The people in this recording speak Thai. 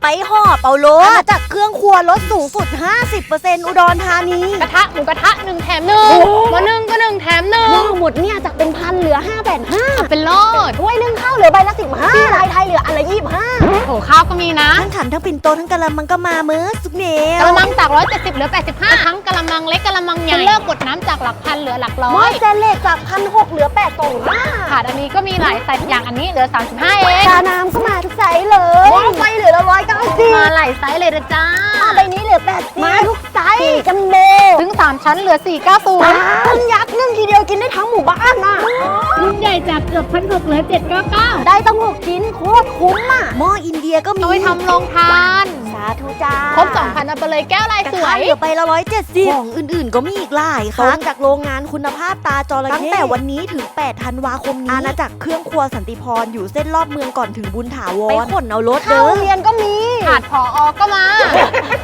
ไปหอบเอารถมาจากเครื่องครัวลดสูงสุด 50% อุดรธานีกระทะหมูกระทะ1 แถม 1หม้อนึ่งก็1 แถม 1 หม้อหมดเนี่ยจากเป็นพันเหลือ5,500 เป็นโลดถ้วยนึ่งข้าวเหลือใบละ15ที่ลายไทยเหลืออันละ25 โอ้ข้าวก็มีนะทั้งขันทั้งปิ่นโตทั้งกะละมังก็มาเมื่อสุกเหนียวกะละมังจาก170เหลือ85ทั้งกะละมังเล็กกะละมังใหญ่เลิกกดน้ำจากหลักพันเหลือหลักร้อหม้อย สแตนเลสจาก1,600เหลือ825 ขาดอันนี้ก็มีหลายไซส์อย่างอันนี้เหลือ35เองชาน้ำก็มาทุกไซส์เลยหม้อไฟเหลือ190 มาหลายไซส์เลยนะจ้าใบนี้เหลือ80มาทุกไซส์4จัมโบ้ถึง3ชั้นเหลือ490 ต้นยักษ์นึ่งทีเดียวกินได้ทั้งหมู่บ้านน่ะรุ่นใหญ่จากเกือบ1,600เหลือ799 ได้ต้อง6ชิ้นโคตรคุ้มอ่ะหม้ออินเดียก็มีเอาไปทำโรงทานสาธุจ้าครบ 2,000 เอาไปเลยแก้วลายสวยเหลือใบละ170ของอื่นๆก็มีอีกหลายค่ะจากโรงงานคุณภาพตาจระเข้ตั้งแต่วันนี้ถึง8ธันวาคมนี้อาณาจักรเครื่องครัวสันติพรอยู่เส้นรอบเมืองก่อนถึงบุญถาวรไปขนเอารถเด้อเรียนก็มีขาดผอก็มา